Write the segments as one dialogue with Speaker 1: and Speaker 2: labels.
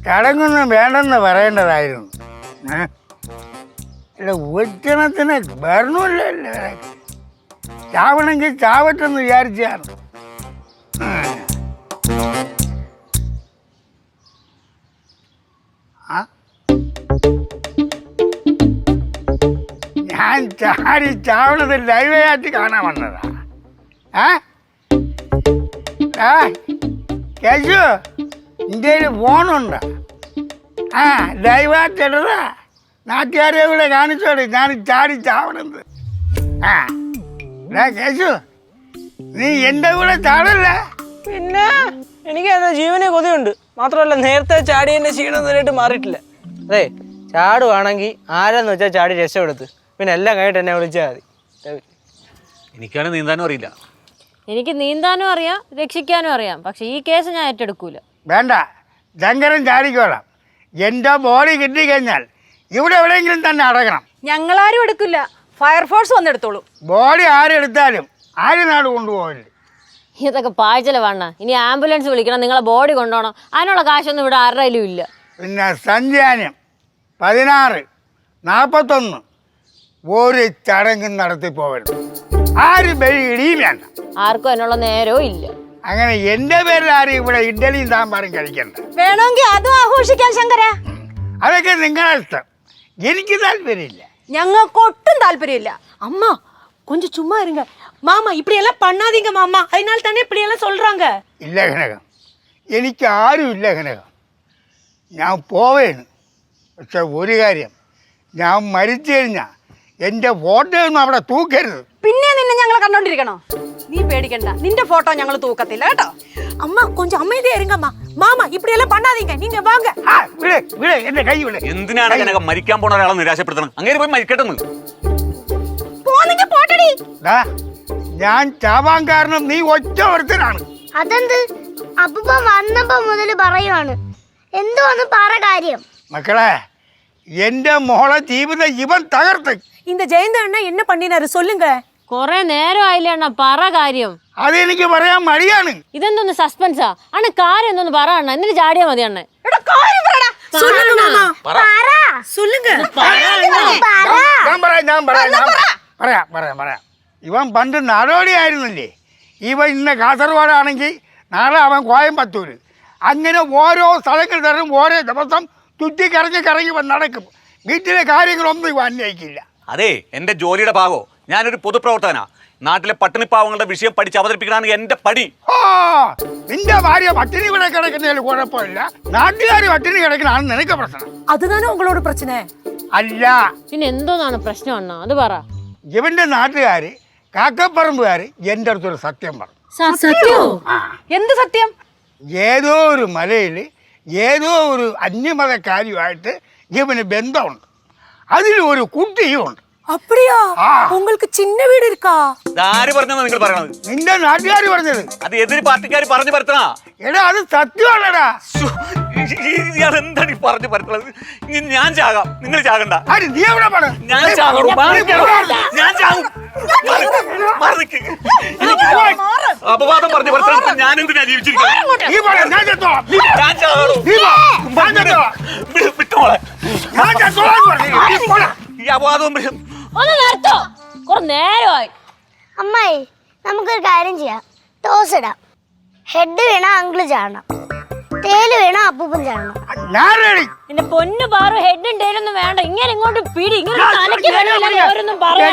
Speaker 1: ചടങ്ങൊന്നും വേണ്ടെന്ന് പറയേണ്ടതായിരുന്നു. അല്ല, ഉച്ചണത്തിന് വരണമല്ലേ, ചാവണമെങ്കിൽ ചാവട്ടെന്ന് വിചാരിച്ചാണ്. ഞാൻ ചാടി ചാവണത് ലൈവായിട്ട് കാണാൻ വന്നതാ. കേശു, ഇന്ത്യയിൽ ഫോണുണ്ട്. ലൈവായിട്ട് ഇടതാ, നാട്ടുകാരെ കൂടെ കാണിച്ചോളി ഞാൻ ചാടി ചാവണത്. കേശു, നീ എൻ്റെ കൂടെ ചാടല്ല.
Speaker 2: പിന്നെ എനിക്ക് എന്താ ജീവനെ കൊതിയുണ്ട്. മാത്രമല്ല നേരത്തെ ചാടിയതിന്റെ ക്ഷീണം നേരിട്ട് മാറിയിട്ടില്ല. അതെ, ചാടുവാണെങ്കിൽ ആരെന്ന് വെച്ചാൽ ചാടി രക്ഷപ്പെടുത്ത്, പിന്നെ എല്ലാം കഴിഞ്ഞിട്ട് എന്നെ വിളിച്ചാൽ മതി.
Speaker 3: എനിക്കാണ് നീന്താനും അറിയില്ല.
Speaker 4: എനിക്ക് നീന്താനും അറിയാം, രക്ഷിക്കാനും അറിയാം. പക്ഷെ ഈ കേസ് ഞാൻ ഏറ്റെടുക്കൂല.
Speaker 1: വേണ്ട, ശങ്കരൻ ചാടിക്കോളാം. എൻ്റെ ബോഡി കിട്ടിക്കഴിഞ്ഞാൽ ഇവിടെ എവിടെയെങ്കിലും തന്നെ അടക്കണം.
Speaker 5: ഞങ്ങളാരും എടുക്കില്ല, ഫയർഫോഴ്സ് വന്നെടുത്തോളൂ.
Speaker 1: ബോഡി ആരെടുത്താലും ആര് നാട് കൊണ്ടുപോകില്ല.
Speaker 4: ഇതൊക്കെ പാഴ്ചല വേണ്ട. ഇനി ആംബുലൻസ് വിളിക്കണം, നിങ്ങളെ ബോഡി കൊണ്ടുപോകണം. അതിനുള്ള കാശൊന്നും ഇവിടെ ആരുടെയിലും ഇല്ല.
Speaker 1: പിന്നെ സഞ്ചാനം 16, 41 ഒരു ചടങ്ങും നടത്തി പോകരുത്. ആരും ഇടിയും വേണ്ട.
Speaker 4: ആർക്കും അതിനുള്ള നേരവും ഇല്ല.
Speaker 1: അങ്ങനെ എൻ്റെ പേരിൽ ആരും ഇവിടെ ഇഡ്ഡലിയും സാമ്പാറും കഴിക്കണ്ട.
Speaker 5: വേണമെങ്കിൽ അതും ആഘോഷിക്കാൻ ശങ്കര.
Speaker 1: അതൊക്കെ നിങ്ങളുടെ ഇഷ്ടം, എനിക്ക് താല്പര്യമില്ല.
Speaker 5: ഞങ്ങൾക്ക് ഒട്ടും താല്പര്യമില്ല. അമ്മ கொஞ்சம் சும்மா இருங்க மாமா, இப்படி எல்லாம் பண்ணாதீங்க மாமா, அதனால தானே இப்படி எல்லாம் சொல்றாங்க.
Speaker 1: ഇല്ല കനകം, എനിക്ക് ആരും ഇല്ല കനകം. ഞാൻ പോവേണ്. പക്ഷെ ഒരു കാര്യം, ഞാൻ മരിച്ചു കഴിഞ്ഞാൽ എൻ്റെ ഫോട്ടോ ഒന്നും അവിടെ തൂക്കരുത്.
Speaker 5: പിന്നെ നിന്നെ ഞങ്ങൾ കണ്ടോണ്ടിരിക്കണോ? നീ പേടിക്കണ്ട, നിന്റെ ഫോട്ടോ ഞങ്ങൾ തൂക്കത്തില്ല കേട്ടോ. അമ്മ கொஞ்சம் அமைதியா இருங்கம்மா. മാമ இப்படி எல்லாம் பண்ணாதீங்க, நீங்க வாங்க.
Speaker 1: എന്റെ കൈ വിട്.
Speaker 3: എന്തിനാണ് കനകം മരിക്കാൻ പോണ ഒരാളെ നിരാശപ്പെടുത്തണം? അങ്ങനെ പോയി മരിക്കട്ടെന്ന്.
Speaker 1: ഞാൻ ചാവാൻ കാരണം നീ ഒറ്റ ഒരുത്തനാണ്.
Speaker 6: അതെന്ത്? അപ്പൂപ്പ വന്നപ്പോ മുതൽ പറയുവാണ്, എന്തോന്ന് പറ കാര്യം.
Speaker 1: മക്കളെ, എന്റെ മോളെ ജീവിതം ഇവൻ തകർത്ത്.
Speaker 5: இந்த ஜெயந்த அண்ணா என்ன பண்ணினாரு சொல்லுங்க.
Speaker 4: കൊറേ നേരം ആയില്ലേ അണ്ണ, പറ കാര്യം.
Speaker 1: അതെനിക്ക് പറയാൻ മടിയാണ്.
Speaker 4: ഇതെന്തോന്ന് സസ്പെൻസാ അണ്ണ? കാര്യം എന്തോന്ന് പറ അണ്ണ, എന്നിട്ട് ചാടിയാ മതി അണ്ണ.
Speaker 1: പറയാം. ഇവൻ പണ്ട് നടോടിയായിരുന്നില്ലേ? ഇവൻ ഇന്ന് കാസർഗോഡാണെങ്കിൽ നാളെ അവൻ കോയമ്പത്തൂര്. അങ്ങനെ ഓരോ സ്ഥലങ്ങൾ തരും, ഓരോ ദിവസം കറങ്ങി വന്ന് നടക്കും. വീട്ടിലെ കാര്യങ്ങളൊന്നും ഇവ അന്വയിക്കില്ല.
Speaker 3: അതെ, എന്റെ ജോലിയുടെ ഭാഗോ. ഞാനൊരു പൊതുപ്രവർത്തകനാ. നാട്ടിലെ പട്ടിണിപ്പാവങ്ങളുടെ വിഷയം പഠിച്ച് അവതരിപ്പിക്കലാണ് എന്റെ പടി.
Speaker 1: നിന്റെ ഭാര്യ പട്ടിണി ഇവിടെ കിടക്കുന്നതിൽ കുഴപ്പമില്ല, നാട്ടുകാര് പട്ടിണി കിടക്കണാണ് നിനക്ക് പ്രശ്നം.
Speaker 5: അതുതന്നെ ഉങ്ങളോട് പ്രശ്ന
Speaker 1: അല്ല.
Speaker 4: പിന്നെ എന്തോന്നാണ് പ്രശ്നം അണ്ണ, അത് പറ.
Speaker 1: ഇവന്റെ നാട്ടുകാര് കാക്കപ്പറമ്പുകാര് എന്റെ അടുത്തൊരു സത്യം പറഞ്ഞു.
Speaker 4: സത്യോ?
Speaker 5: എന്ത് സത്യം?
Speaker 1: ഏതോ ഒരു മലയിൽ ഏതോ ഒരു അന്യമതക്കാരിയുമായിട്ട് ഇവന് ബന്ധമുണ്ട്. അതിൽ ഒരു കുട്ടിയും ഉണ്ട്.
Speaker 5: அப்படியா? உங்களுக்கு சின்ன வீடு இருக்கா?
Speaker 3: ആര് പറഞ്ഞാ നിങ്ങൾ പറയണത്?
Speaker 1: നിന്റെ നാട്ടുകാർ പറഞ്ഞത്.
Speaker 3: അത് എതിര് പാർട്ടിക്കാർ പറഞ്ഞു പരത്തണ.
Speaker 1: എടാ, അത് സത്യമാണടാ.
Speaker 3: എന്താണ് ഈ പറഞ്ഞു പരത്തണത്? ഞാൻ ചാകാം, നിങ്ങൾ ചാകണ്ട.
Speaker 1: നീ എവിടെ പോണ?
Speaker 3: ഞാൻ ചാകും. അപവാദം പറഞ്ഞു പരത്തണ. ഞാൻ എന്തിനാ ജീവിച്ചിരിക്കുന്നത്? വിട്ടോളെ. ഈ അപവാദവും
Speaker 4: ഒന്ന് നിർത്തോ, കുറെ നേരമായി.
Speaker 6: അമ്മായി, നമുക്കൊരു കാര്യം ചെയ്യാം. ടോസ് ഇടാം. ഹെഡ് വീണ അങ്കിള് ചാടണം, തേല് വീണ അപ്പൂപ്പൻ ചാടണം.
Speaker 4: എന്റെ പൊന്നു പാറു, ഹെഡും ടേലൊന്നും വേണ്ട. ഇങ്ങനെ ഇങ്ങോട്ട് പിടി, ഇങ്ങനെ തലയ്ക്ക് വേണമെന്നും പറയാം.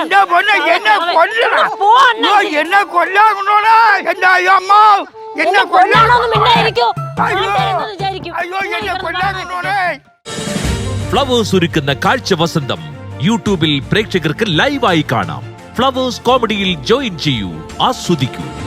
Speaker 7: ഫ്ലവേഴ്സ് ഒരുക്കുന്ന കാഴ്ച വസന്തം യൂട്യൂബിൽ പ്രേക്ഷകർക്ക് ലൈവായി കാണാം. ഫ്ലവേഴ്സ് കോമഡിയിൽ ജോയിൻ ചെയ്യൂ, ആസ്വദിക്കൂ.